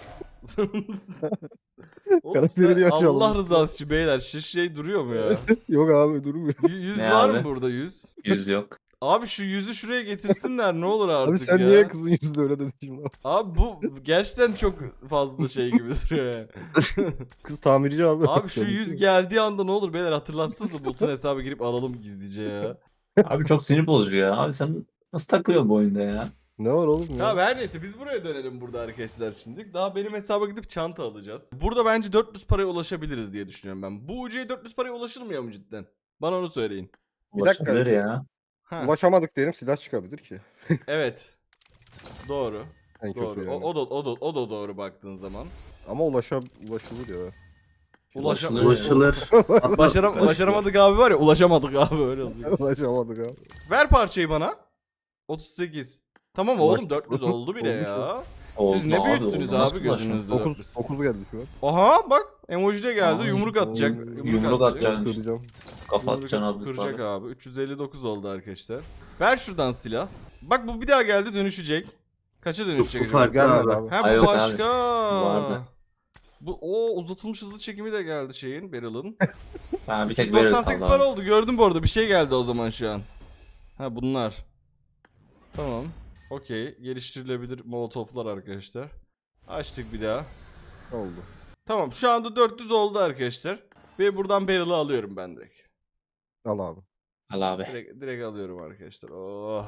Speaker 1: Oğlum
Speaker 2: Karakteri
Speaker 1: sen
Speaker 2: diye açalım.
Speaker 1: Allah rızası için beyler şu şey duruyor mu ya?
Speaker 2: Yok abi durmuyor.
Speaker 1: Y- yüz
Speaker 4: Ne
Speaker 1: var
Speaker 4: abi?
Speaker 1: mı burada yüz?
Speaker 4: Yüz yok.
Speaker 1: Abi şu yüzü şuraya getirsinler ne olur artık
Speaker 2: Abi sen
Speaker 1: ya.
Speaker 2: niye kızın yüzünde öyle dedin şimdi?
Speaker 1: Abi bu gerçekten çok fazla şey gibi duruyor yani.
Speaker 2: Kız tamirci abi.
Speaker 1: Abi şu yüz geldiği anda ne olur beyler hatırlatsanıza Bulut'un hesabı girip alalım gizlice ya.
Speaker 4: Abi çok sinir bozucu ya. Abi sen nasıl takılıyorsun bu oyunda ya?
Speaker 2: Ne var oğlum ya?
Speaker 1: Tamam her neyse biz buraya dönelim burada arkadaşlar şimdi. Daha benim hesaba gidip çanta alacağız. Burada bence dört yüz paraya ulaşabiliriz diye düşünüyorum ben. Bu ucuya dört yüz paraya ulaşılmıyor mu cidden? Bana onu söyleyin.
Speaker 2: Bir dakika,
Speaker 4: Ulaşılır
Speaker 2: biz-
Speaker 4: ya.
Speaker 1: Ha,
Speaker 2: Ulaşamadık diyelim silah çıkabilir ki.
Speaker 1: evet. Doğru.
Speaker 2: En kötü
Speaker 1: Doğru.
Speaker 2: yani.
Speaker 1: O, o da o da o da doğru baktığın zaman.
Speaker 2: Ama ulaşa ulaşılır ya.
Speaker 1: Ulaşa
Speaker 4: Ulaşılır.
Speaker 5: Ulaşılır.
Speaker 1: Başaram başaramadık abi var ya ulaşamadık abi öyle oluyor.
Speaker 2: Ulaşamadık abi.
Speaker 1: Ver parçayı bana. otuz sekiz. Tamam oğlum
Speaker 2: Ulaştık.
Speaker 1: dört yüz oldu bile
Speaker 2: Olmuş
Speaker 1: ya.
Speaker 4: Oldu
Speaker 1: Siz ne büyüttünüz
Speaker 4: oldu.
Speaker 1: abi
Speaker 4: Nasıl ulaştın?
Speaker 1: gözünüzde dört
Speaker 2: dokuz
Speaker 1: yüz.
Speaker 2: dokuz geldi şu an.
Speaker 1: Aha bak emoji de geldi
Speaker 4: Ay,
Speaker 1: yumruk atacak.
Speaker 2: ay,
Speaker 4: yumruk atacak.
Speaker 2: Kıracağım.
Speaker 4: Kafa
Speaker 1: Yumruk
Speaker 4: atacaksın
Speaker 1: atıp
Speaker 4: abi.
Speaker 1: kıracak abi. üç yüz elli dokuz oldu arkadaşlar. Ver şuradan silah. Bak bu bir daha geldi dönüşecek. Kaça dönüşecek
Speaker 5: Bu
Speaker 1: acaba?
Speaker 5: farklı
Speaker 2: Gelmedi
Speaker 5: abi.
Speaker 2: abi.
Speaker 1: Ha
Speaker 4: Ay,
Speaker 1: bu
Speaker 4: evet abi.
Speaker 1: başka.
Speaker 4: Vardı.
Speaker 1: Bu o uzatılmış hızlı çekimi de geldi şeyin Beryl'ın.
Speaker 4: Ha, bir tek böyle
Speaker 1: yüz doksan sekiz
Speaker 4: kaldı
Speaker 1: para
Speaker 4: abi.
Speaker 1: oldu gördüm bu arada bir şey geldi o zaman şu an. Ha bunlar. Tamam. Okey. Geliştirilebilir molotoflar arkadaşlar. Açtık bir daha.
Speaker 2: Oldu.
Speaker 1: Tamam şu anda dört yüz oldu arkadaşlar. Ve buradan Beryl'ı alıyorum ben direkt.
Speaker 2: Al abi.
Speaker 4: Al abi.
Speaker 1: Direkt, direkt alıyorum arkadaşlar. Oh.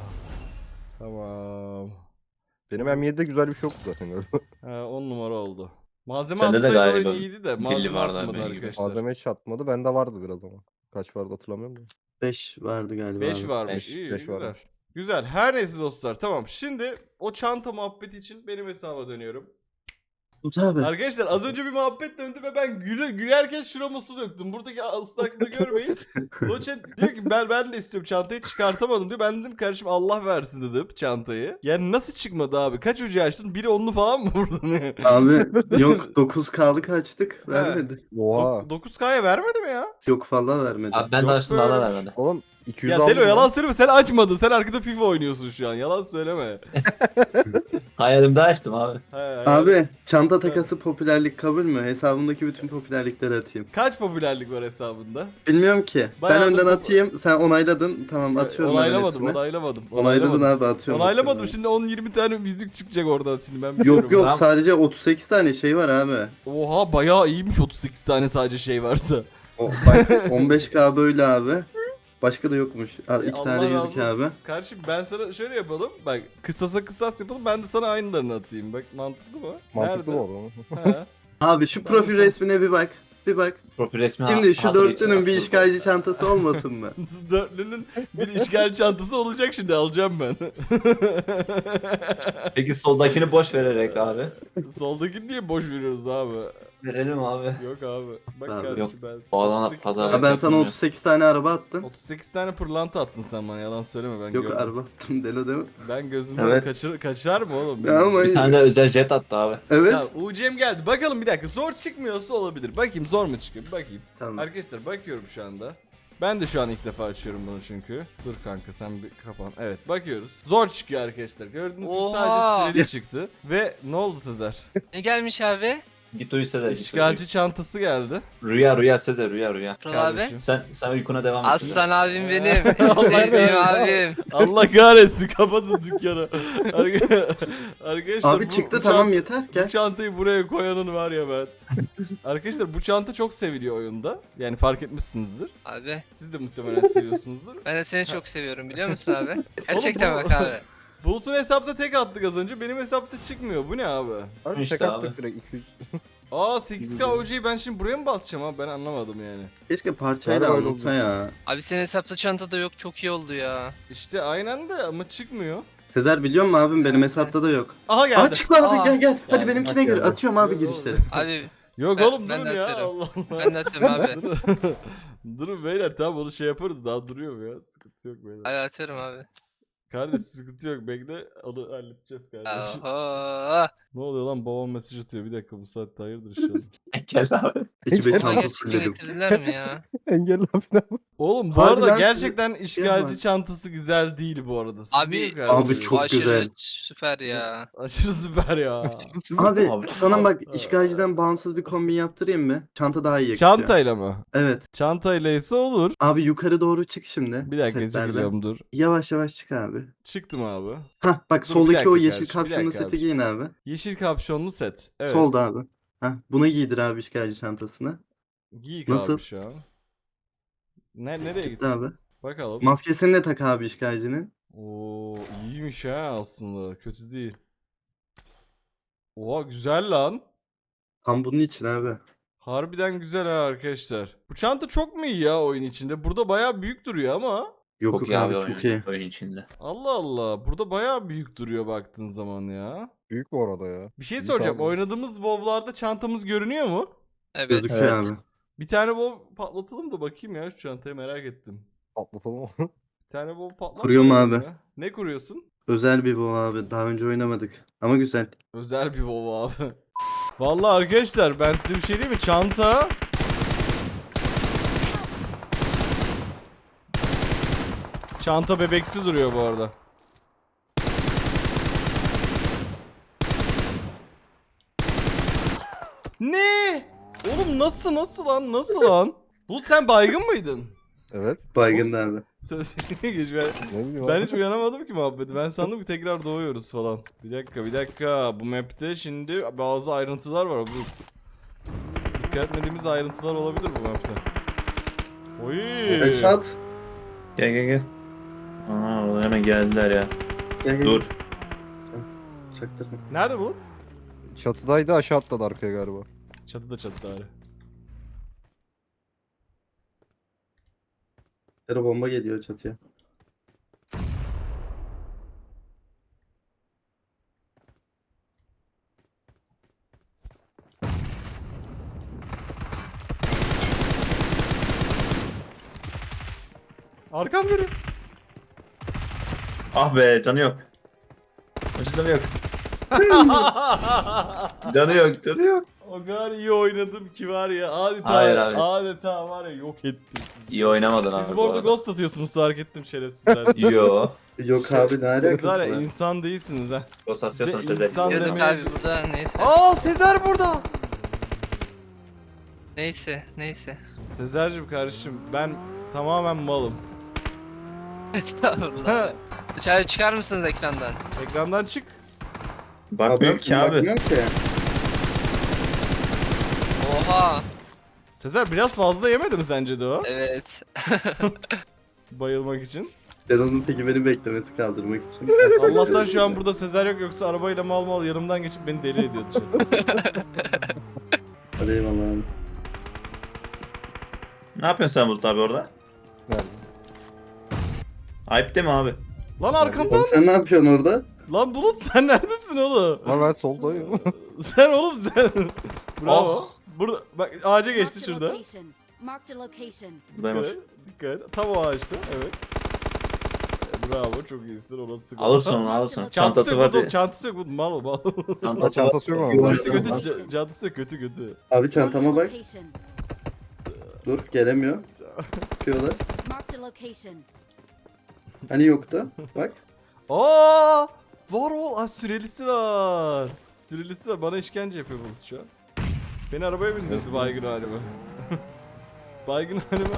Speaker 1: Tamam.
Speaker 2: Benim M yedide güzel bir şey yoktu zaten öyle.
Speaker 1: Ha, on numara oldu. Malzeme
Speaker 4: Sende de
Speaker 1: atsaydı
Speaker 4: galiba
Speaker 1: oyun iyiydi de
Speaker 4: pilli
Speaker 1: malzeme
Speaker 4: vardı
Speaker 1: atmadı
Speaker 4: benim gibi.
Speaker 1: arkadaşlar.
Speaker 2: Malzeme hiç atmadı. Bende vardı biraz ama. Kaç vardı hatırlamıyorum da.
Speaker 5: beş vardı galiba
Speaker 1: beş
Speaker 5: abi.
Speaker 1: varmış.
Speaker 4: Beş,
Speaker 1: iyi,
Speaker 2: beş
Speaker 1: güzel.
Speaker 2: varmış.
Speaker 1: Güzel. Her neyse dostlar. Tamam. Şimdi o çanta muhabbeti için benim hesaba dönüyorum.
Speaker 5: Umut abi.
Speaker 1: Arkadaşlar az önce bir muhabbet döndü ve ben güle, gülerken şurama su döktüm. Buradaki ıslaklığı görmeyin. Doçent diyor ki ben ben de istiyorum çantayı çıkartamadım diyor. Ben dedim kardeşim Allah versin dedim çantayı. Yani nasıl çıkmadı abi? Kaç ucu açtın? Biri onlu falan mı vurdun?
Speaker 5: Abi yok dokuz K'lık açtık. Vermedi.
Speaker 2: Oha.
Speaker 1: dokuz K'ya vermedi mi ya?
Speaker 5: Yok fazla vermedi.
Speaker 4: Abi ben
Speaker 1: Yok
Speaker 4: de açtım da
Speaker 1: böyle
Speaker 4: da
Speaker 1: bir şey.
Speaker 4: vermedi.
Speaker 2: Oğlum iki yüz
Speaker 1: Ya
Speaker 2: aldım
Speaker 1: Delo
Speaker 2: ya.
Speaker 1: yalan söyleme sen açmadın. Sen arkada FIFA oynuyorsun şu an. Yalan söyleme.
Speaker 4: Hayalimde açtım abi.
Speaker 1: He, he.
Speaker 5: Abi çanta takası popülerlik kabul mü? Hesabımdaki bütün popülerlikleri atayım.
Speaker 1: Kaç popülerlik var hesabında?
Speaker 5: Bilmiyorum ki.
Speaker 1: Bayağı
Speaker 5: ben önden
Speaker 1: da-
Speaker 5: atayım. Sen onayladın. Tamam atıyorum ben
Speaker 1: Onaylamadım,
Speaker 5: hepsini.
Speaker 1: onaylamadım.
Speaker 5: Onayladın abi atıyorum.
Speaker 1: Onaylamadım.
Speaker 5: atıyorum.
Speaker 1: Şimdi on yirmi tane müzik çıkacak oradan şimdi ben biliyorum.
Speaker 5: Yok yok
Speaker 4: Tamam.
Speaker 5: sadece otuz sekiz tane şey var abi.
Speaker 1: Oha bayağı iyiymiş otuz sekiz tane sadece şey varsa.
Speaker 5: O, bak on beş K böyle abi. Başka da yokmuş. Al iki
Speaker 1: Allah
Speaker 5: tane
Speaker 1: razı
Speaker 5: yüzük
Speaker 1: olsun.
Speaker 5: abi.
Speaker 1: Kardeşim ben sana şöyle yapalım. Bak kısasa kısas yapalım. Ben de sana aynılarını atayım. Bak mantıklı mı?
Speaker 2: Mantıklı
Speaker 1: Nerede?
Speaker 2: mı oldu?
Speaker 1: He.
Speaker 5: Abi şu
Speaker 1: Ben
Speaker 5: profil
Speaker 1: de-
Speaker 5: resmine bir bak. Bir bak.
Speaker 4: Profil resmi
Speaker 5: Şimdi şu
Speaker 4: hazır için
Speaker 5: dörtlünün bir
Speaker 4: atıldı.
Speaker 5: işgalci çantası olmasın mı?
Speaker 1: Dörtlünün bir işgal çantası olacak şimdi alacağım ben.
Speaker 4: Peki soldakini boş vererek abi.
Speaker 1: Soldakini niye boş veriyoruz abi?
Speaker 4: Verelim abi.
Speaker 1: Yok abi. Bak
Speaker 5: Abi,
Speaker 1: kardeşim
Speaker 4: yok.
Speaker 1: ben.
Speaker 4: O alana
Speaker 1: otuz sekiz
Speaker 4: pazar-
Speaker 1: tane-
Speaker 5: Ha, ben sana
Speaker 4: Yapılmıyor.
Speaker 5: otuz sekiz tane araba attım.
Speaker 1: otuz sekiz tane pırlanta attın sen bana yalan söyleme ben
Speaker 5: Yok
Speaker 1: gördüm.
Speaker 5: araba attım delo değil mi?
Speaker 1: Ben gözümden
Speaker 4: Evet.
Speaker 1: kaçır, kaçar mı oğlum?
Speaker 5: Ya ama
Speaker 4: Bir tane de özel jet attı abi.
Speaker 5: evet.
Speaker 1: Ya U C M geldi. Bakalım bir dakika. Zor çıkmıyorsa olabilir. Bakayım zor mu çıkıyor? Bir bakayım.
Speaker 5: Tamam.
Speaker 1: Arkadaşlar bakıyorum şu anda. Ben de şu an ilk defa açıyorum bunu çünkü. Dur kanka sen bir kapan. Evet bakıyoruz. Zor çıkıyor arkadaşlar. Gördüğünüz gibi
Speaker 6: Oha!
Speaker 1: sadece süreli çıktı. Ve ne oldu Sezer?
Speaker 6: Ne gelmiş abi?
Speaker 4: Git uyu Sezer. git
Speaker 1: İşgalci çantası geldi.
Speaker 4: uyu. Rüya rüya Sezer rüya rüya.
Speaker 6: Kral abi.
Speaker 1: Kardeşim.
Speaker 4: Sen sen uykuna devam et.
Speaker 6: Aslan abim benim. En
Speaker 1: Allah
Speaker 6: sevdiğim
Speaker 1: kahretsin.
Speaker 6: abim.
Speaker 1: Allah kahretsin kapatın dükkanı. Arka- Arkadaşlar
Speaker 5: Abi
Speaker 1: bu-
Speaker 5: çıktı
Speaker 1: bu
Speaker 5: tamam
Speaker 1: çant-
Speaker 5: yeter
Speaker 1: Bu
Speaker 5: gel.
Speaker 1: çantayı buraya koyanın var ya ben. Arkadaşlar bu çanta çok seviliyor oyunda. Yani fark etmişsinizdir.
Speaker 6: Abi
Speaker 1: Siz de muhtemelen seviyorsunuzdur.
Speaker 6: ben de seni çok seviyorum biliyor musun abi? Gerçekten
Speaker 1: bu-
Speaker 6: bak abi.
Speaker 1: Bulut'un hesapta tek attık az önce. Benim hesapta çıkmıyor. Bu ne abi?
Speaker 2: Abi
Speaker 4: İşte
Speaker 2: tek
Speaker 4: abi.
Speaker 2: attık direkt iki yüz.
Speaker 1: Aa sekiz K O C'yi ben şimdi buraya mı basacağım abi? Ben anlamadım yani.
Speaker 5: Keşke parçayla
Speaker 2: Galiba öyle
Speaker 5: anlatsa
Speaker 2: olacak.
Speaker 5: ya.
Speaker 6: Abi senin hesapta çantada yok çok iyi oldu ya.
Speaker 1: İşte aynen de ama çıkmıyor.
Speaker 5: Sezer biliyor musun abim benim hesapta da yok.
Speaker 1: Aha geldi.
Speaker 5: Aa çıktı abi
Speaker 6: Aa.
Speaker 5: gel gel. Hadi
Speaker 1: Geldi,
Speaker 5: benimkine
Speaker 2: bak
Speaker 5: gir.
Speaker 2: geldi.
Speaker 5: Atıyorum abi
Speaker 1: Yok
Speaker 5: girişleri.
Speaker 1: oğlum.
Speaker 6: Abi
Speaker 1: Yok
Speaker 6: Ben-
Speaker 1: oğlum
Speaker 6: ben
Speaker 1: durun
Speaker 6: de
Speaker 1: ya.
Speaker 6: atarım.
Speaker 1: Allah Allah.
Speaker 6: ben de atıyorum abi.
Speaker 1: Durun. Durun beyler tamam onu şey yaparız daha duruyor mu ya? Sıkıntı yok beyler.
Speaker 6: Hadi atıyorum abi.
Speaker 1: Kardeş sıkıntı yok bekle onu halledeceğiz kardeşim.
Speaker 6: Oho.
Speaker 1: Ne oluyor lan babam mesaj atıyor bir dakika bu saatte hayırdır inşallah.
Speaker 4: Gel abi.
Speaker 5: Ekibe
Speaker 2: Hiç-
Speaker 6: Ama
Speaker 5: çanta
Speaker 6: gerçekten
Speaker 5: fulledim.
Speaker 6: getirdiler mi ya?
Speaker 2: Engelli abi.
Speaker 1: Oğlum bu
Speaker 5: Harbiden
Speaker 1: arada
Speaker 5: siz-
Speaker 1: gerçekten işgalci
Speaker 5: Yapma.
Speaker 1: çantası güzel değil bu arada. Siz niye
Speaker 6: Abi,
Speaker 1: yukarısınız?
Speaker 5: Abi çok
Speaker 6: aşırı
Speaker 5: güzel.
Speaker 6: süper ya.
Speaker 1: Aşırı süper ya.
Speaker 5: Abi,
Speaker 4: Abi-
Speaker 5: sana bak
Speaker 1: Abi-
Speaker 5: işgalciden bağımsız bir kombin yaptırayım mı? Çanta daha iyi yakışıyor.
Speaker 1: Çantayla mı?
Speaker 5: Evet.
Speaker 1: Çantayla ise olur.
Speaker 5: Abi yukarı doğru çık şimdi.
Speaker 1: Bir dakika
Speaker 5: setlerden.
Speaker 1: çıkacağım dur.
Speaker 5: Yavaş yavaş çık abi.
Speaker 1: Çıktım abi.
Speaker 5: Hah bak
Speaker 1: Dur, bir
Speaker 5: soldaki
Speaker 1: dakika
Speaker 5: o yeşil
Speaker 1: kardeşim, bir
Speaker 5: kapşonlu
Speaker 1: dakika
Speaker 5: seti
Speaker 1: abi.
Speaker 5: giyin abi.
Speaker 1: Yeşil kapşonlu set. Evet.
Speaker 5: Solda abi. Hah buna giydir abi işgalci çantasını.
Speaker 1: Giy
Speaker 5: Nasıl?
Speaker 1: abi şu an. Ne, nereye
Speaker 5: Gitti
Speaker 1: gittin?
Speaker 5: abi.
Speaker 1: Bakalım.
Speaker 5: Maskesini de tak abi işgalcinin.
Speaker 1: Oo iyiymiş ha aslında. Kötü değil. Oha güzel lan.
Speaker 5: Tam bunun için abi.
Speaker 1: Harbiden güzel ha arkadaşlar. Bu çanta çok mu iyi ya oyun içinde? Burada bayağı büyük duruyor ama.
Speaker 5: Yok
Speaker 4: Çok
Speaker 5: yok
Speaker 4: iyi
Speaker 5: abi
Speaker 4: abi
Speaker 5: çok
Speaker 4: oyun,
Speaker 5: iyi.
Speaker 4: oyun içinde.
Speaker 1: Allah Allah. Burada bayağı büyük duruyor baktığın zaman ya.
Speaker 2: Büyük bu arada ya.
Speaker 1: Bir şey
Speaker 2: İyi
Speaker 1: soracağım.
Speaker 2: tabii.
Speaker 1: Oynadığımız WoW'larda çantamız görünüyor mu?
Speaker 6: Evet.
Speaker 5: Gözüküyor
Speaker 4: Evet.
Speaker 5: abi.
Speaker 1: Bir tane WoW patlatalım da bakayım ya şu çantaya merak ettim.
Speaker 2: Atlatalım.
Speaker 1: Bir tane WoW patlat.
Speaker 5: Kuruyor mu
Speaker 1: bakayım
Speaker 5: abi?
Speaker 1: ya. Ne kuruyorsun?
Speaker 5: Özel bir bu abi. Daha önce oynamadık. Ama güzel.
Speaker 1: Özel bir WoW abi. Vallahi arkadaşlar ben size bir şey diyeyim mi? Çanta Çanta bebeksi duruyor bu arada. Ne? Oğlum nasıl nasıl lan nasıl lan? Bulut sen baygın mıydın?
Speaker 2: Evet.
Speaker 5: Baygın
Speaker 1: Oğlum,
Speaker 5: abi.
Speaker 1: Sözlerine geç ben.
Speaker 2: Ne bileyim
Speaker 1: Ben
Speaker 2: abi.
Speaker 1: hiç uyanamadım ki muhabbeti. Ben sandım ki tekrar doğuyoruz falan. Bir dakika bir dakika. Bu map'te şimdi bazı ayrıntılar var Bulut. Dikkat etmediğimiz ayrıntılar olabilir bu map'te. Oy.
Speaker 5: Reşat.
Speaker 4: Gel gel gel. Aa orada hemen geldiler ya.
Speaker 5: Gel, gel.
Speaker 4: Dur.
Speaker 5: Çaktırma.
Speaker 1: Nerede Bulut?
Speaker 2: Çatıdaydı aşağı atladı arkaya galiba.
Speaker 1: Çatıda çatıda abi.
Speaker 5: Yere bomba geliyor çatıya.
Speaker 1: Arkam geliyor.
Speaker 4: Ah be canı yok. Canı yok. Canı yok canı yok.
Speaker 1: O kadar iyi oynadım ki var ya. Adeta,
Speaker 4: Hayır abi.
Speaker 1: adeta var ya yok ettim.
Speaker 4: İyi oynamadın abi
Speaker 1: Siz
Speaker 4: bu
Speaker 1: bu arada
Speaker 4: arada.
Speaker 1: ghost atıyorsunuz fark ettim şerefsizler.
Speaker 4: Yo.
Speaker 5: Yok abi ne
Speaker 1: Siz
Speaker 5: alakası
Speaker 1: var
Speaker 5: var?
Speaker 1: ya insan değilsiniz ha.
Speaker 4: Ghost atıyorsan
Speaker 1: Size
Speaker 4: Sezer.
Speaker 1: insan
Speaker 6: Diyorduk
Speaker 1: demeye-
Speaker 6: abi burada neyse.
Speaker 1: Aa Sezer burada.
Speaker 6: Neyse neyse.
Speaker 1: Sezer'cim kardeşim ben tamamen malım.
Speaker 6: Estağfurullah abi. Dışarı çıkar mısınız ekrandan?
Speaker 1: Ekrandan çık.
Speaker 4: Bakmıyor ki abi.
Speaker 5: Bakmıyorum ki.
Speaker 6: Oha.
Speaker 1: Sezer biraz fazla yemedi mi sence de o?
Speaker 6: Evet.
Speaker 1: Bayılmak için.
Speaker 5: Canan'ın teki beni beklemesi kaldırmak için.
Speaker 1: Allah'tan şu an burada Sezer yok yoksa arabayla mal mal yanımdan geçip beni deli ediyordu şu an.
Speaker 5: Hadi eyvallah abi.
Speaker 4: Ne yapıyorsun sen Bulut abi orada?
Speaker 2: Nerede?
Speaker 4: Ayıp değil mi abi?
Speaker 1: Lan arkamdan.
Speaker 5: Oğlum sen ne yapıyorsun orada?
Speaker 1: Lan Bulut sen neredesin oğlum?
Speaker 2: Ama ben soldayım.
Speaker 1: Sen oğlum sen. Bravo.
Speaker 4: Oh.
Speaker 1: Burada bak ağaca geçti
Speaker 7: Marked a
Speaker 1: şurada.
Speaker 7: location. Marked a location.
Speaker 4: Buradaymış.
Speaker 1: Dikkat, dikkat. Tam o ağaçta evet. E, Bravo çok iyisin ona sık.
Speaker 4: Alırsın onu alırsın.
Speaker 1: Çantası
Speaker 4: Çantası
Speaker 1: yok
Speaker 4: var
Speaker 1: Bulut,
Speaker 4: diye.
Speaker 1: çantası yok Bulut mal mal.
Speaker 2: Ha, çantası yok ama.
Speaker 1: Kötü kötü ç- çantası yok kötü kötü.
Speaker 5: Abi
Speaker 7: Marked a
Speaker 5: çantama bak.
Speaker 7: location.
Speaker 5: Dur gelemiyor. Çıkıyorlar.
Speaker 7: Marked a location.
Speaker 5: Hani yoktu. Bak.
Speaker 1: Aa! Var o. Aa, sürelisi var. Sürelisi var. Bana işkence yapıyor Bulut şu an. Beni arabaya bindirdi baygın halime. Baygın halime.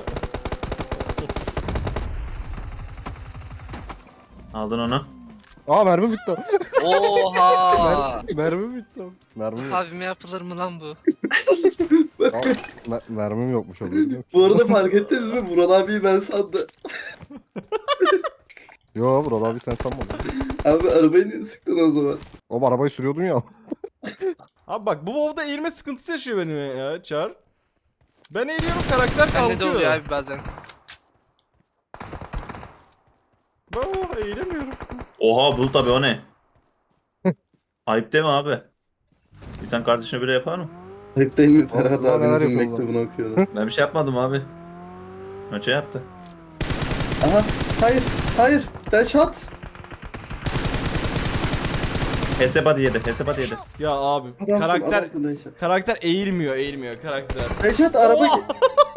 Speaker 4: Aldın onu.
Speaker 2: Aa mermi bitti.
Speaker 6: Oha.
Speaker 2: mermi, mermi bitti. Mermi yok.
Speaker 6: Abime yapılır mı lan bu?
Speaker 2: Aa, mer- mermim yokmuş orada. biliyor musun?
Speaker 5: Bu arada fark ettiniz mi? Vural abiyi ben sandım.
Speaker 2: Yo Vural abi sen sanmadın.
Speaker 5: Abi arabayı niye sıktın o zaman?
Speaker 2: Oğlum arabayı sürüyordun ya.
Speaker 1: Abi bak bu WoW'da eğilme sıkıntısı yaşıyor benim ya Çar. Ben eğiliyorum karakter kalkıyor.
Speaker 6: Bende de oluyor abi bazen.
Speaker 1: Aa, eğilemiyorum.
Speaker 4: Oha Bulut abi o ne? Ayıp değil mi abi? İnsan kardeşine bile yapar mı?
Speaker 5: Hep değil mi? Ferhat
Speaker 2: Aslında neler
Speaker 5: abinizin
Speaker 2: yapıyorlar?
Speaker 5: mektubunu okuyordu.
Speaker 4: Ben bir şey yapmadım abi. Önce yaptı.
Speaker 5: Aha hayır hayır Reşat.
Speaker 4: Heseba yedi. Heseba yedi.
Speaker 1: Ya abi
Speaker 5: Adamsın,
Speaker 1: karakter
Speaker 5: adamsın Reşat.
Speaker 1: karakter eğilmiyor eğilmiyor karakter.
Speaker 5: Reşat araba
Speaker 1: Oh!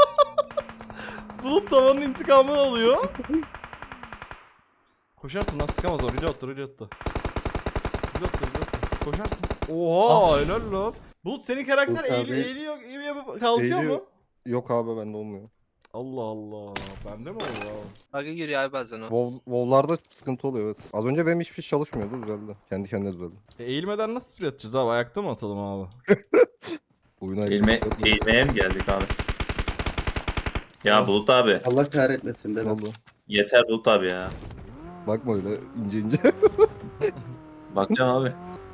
Speaker 1: Bulut tavanın intikamını alıyor. Koşarsın lan sıkamaz o. Reload attı reload attı. Reload attı reload attı. Koşarsın. Oha helal lan. Bulut senin karakter
Speaker 5: Bulut
Speaker 1: eğiliyor
Speaker 5: abi.
Speaker 1: eğiliyor eğiliyor kalkıyor
Speaker 2: Eğiliyor.
Speaker 1: mu?
Speaker 2: Yok abi bende olmuyor.
Speaker 1: Allah Allah. Bende mi oldu abi?
Speaker 6: Bug'a giriyor abi bazen o.
Speaker 2: WoW, WoW'larda sıkıntı oluyor evet. Az önce benim hiçbir şey çalışmıyordu düzeldi. Kendi kendine düzeldi.
Speaker 1: E, eğilmeden nasıl sprey atacağız abi? Ayakta mı atalım abi?
Speaker 2: Oyuna
Speaker 4: Eğilme, eğilmeye mi geldik abi? Ya Bulut abi.
Speaker 5: Allah kahretmesin
Speaker 2: Ne
Speaker 5: dedim.
Speaker 2: oldu?
Speaker 4: Yeter Bulut abi ya.
Speaker 2: Bakma öyle ince ince.
Speaker 4: Bakacağım abi.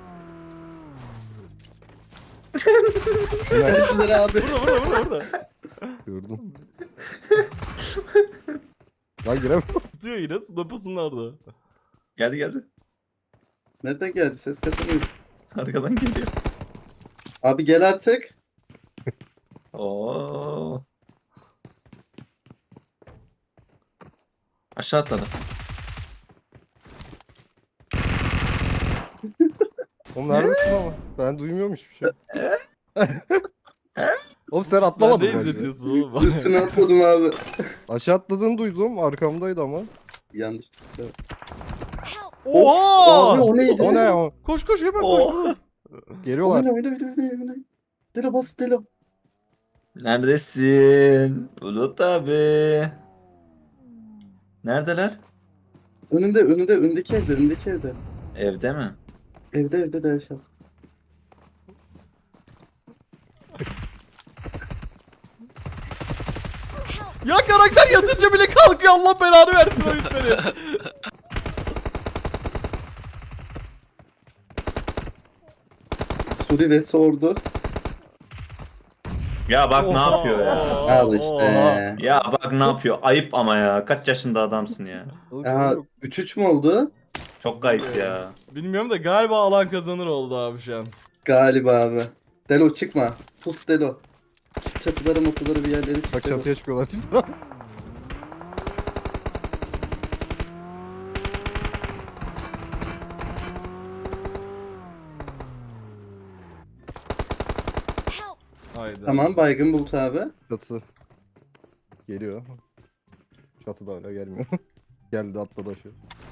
Speaker 5: Nerede abi?
Speaker 1: Burada burada burada burada.
Speaker 2: Gördüm. Lan giremem.
Speaker 1: Tutuyor yine snapasın nerede?
Speaker 4: Geldi geldi.
Speaker 5: Nereden geldi? Ses kasamıyor.
Speaker 4: Arkadan geliyor.
Speaker 5: Abi gel artık.
Speaker 4: Oo. Aşağı atladı.
Speaker 2: Oğlum neredesin ama? Ben duymuyorum hiçbir şey. Oğlum sen atlamadın
Speaker 1: Sen ne
Speaker 2: mı aşağı?
Speaker 1: izletiyorsun oğlum? bana?
Speaker 5: Üstüne atladım abi.
Speaker 2: Aşağı atladığını duydum arkamdaydı ama.
Speaker 5: Yanlış.
Speaker 7: Help!
Speaker 1: Oha!
Speaker 5: Abi o neydi?
Speaker 2: O ne o?
Speaker 1: Koş koş hemen
Speaker 4: Oo.
Speaker 1: koş. Bulut.
Speaker 2: Geliyorlar.
Speaker 5: Oyna oyna oyna oyna oyna. Delo bas Delo.
Speaker 4: Neredesin? Bulut abi. Neredeler?
Speaker 5: Önünde önünde öndeki evde öndeki evde.
Speaker 4: Evde mi?
Speaker 5: Evde evde de Reşat.
Speaker 1: Ya karakter yatınca bile kalkıyor Allah belanı versin o yüzleri.
Speaker 5: Suri ve sordu.
Speaker 4: Ya bak ne
Speaker 1: Oha,
Speaker 4: yapıyor ya?
Speaker 1: oha,
Speaker 5: Al
Speaker 1: oha.
Speaker 5: işte.
Speaker 4: Ya bak ne yapıyor? Ayıp ama ya. Kaç yaşında adamsın ya?
Speaker 2: Oğlum,
Speaker 5: Aha
Speaker 2: yok.
Speaker 5: üç üç mü oldu?
Speaker 4: Çok ayıp ya.
Speaker 1: Bilmiyorum da galiba alan kazanır oldu abi şu an.
Speaker 5: Galiba abi. Delo çıkma. Pus Delo. Çatıları motoları bir yerlere çık.
Speaker 2: Bak
Speaker 5: Delo.
Speaker 2: çatıya çıkıyorlar timsah.
Speaker 7: Help!
Speaker 1: Haydi.
Speaker 5: Tamam baygın Bulut abi.
Speaker 2: Çatı. Geliyor. Çatı da hala gelmiyor. Geldi atladı aşağı.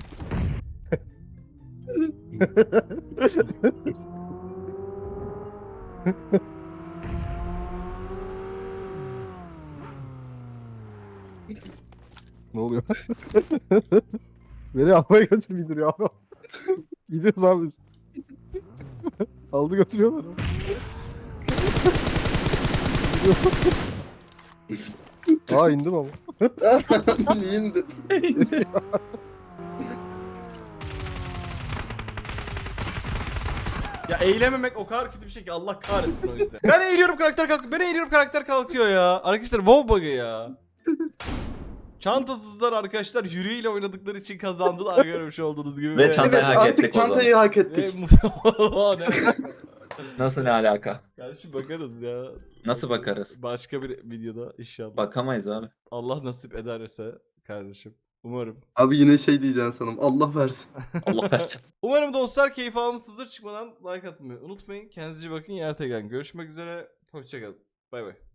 Speaker 2: Ne oluyor? Beni havaya götür bindiriyor abi. Gidiyoruz abi biz. Aldı götürüyorlar. Aa indim ama.
Speaker 5: Niye indin?
Speaker 1: Ya eğilememek o kadar kötü bir şey ki Allah kahretsin o yüzden. Ben eğiliyorum karakter kalkıyor. Ben eğiliyorum karakter kalkıyor ya. Arkadaşlar WoW bug'ı ya. Çantasızlar arkadaşlar yürüyle oynadıkları için kazandılar görmüş olduğunuz gibi.
Speaker 4: Ve çanta-
Speaker 5: Evet
Speaker 4: hak
Speaker 5: artık
Speaker 4: ettik o zaman.
Speaker 5: çantayı hak
Speaker 1: Ve
Speaker 5: ettik.
Speaker 1: mu- ne?
Speaker 4: Nasıl ne alaka?
Speaker 1: Kardeşim bakarız ya.
Speaker 4: Nasıl bakarız?
Speaker 1: Başka bir videoda inşallah.
Speaker 4: Bakamayız abi.
Speaker 1: Allah nasip ederse kardeşim. Umarım.
Speaker 5: Abi yine şey diyeceksin sanırım. Allah versin.
Speaker 4: Allah versin.
Speaker 1: Umarım dostlar keyif almışsınızdır. Çıkmadan like atmayı unutmayın. Kendinize iyi bakın. Yer Görüşmek üzere. Hoşçakalın. Bay bay.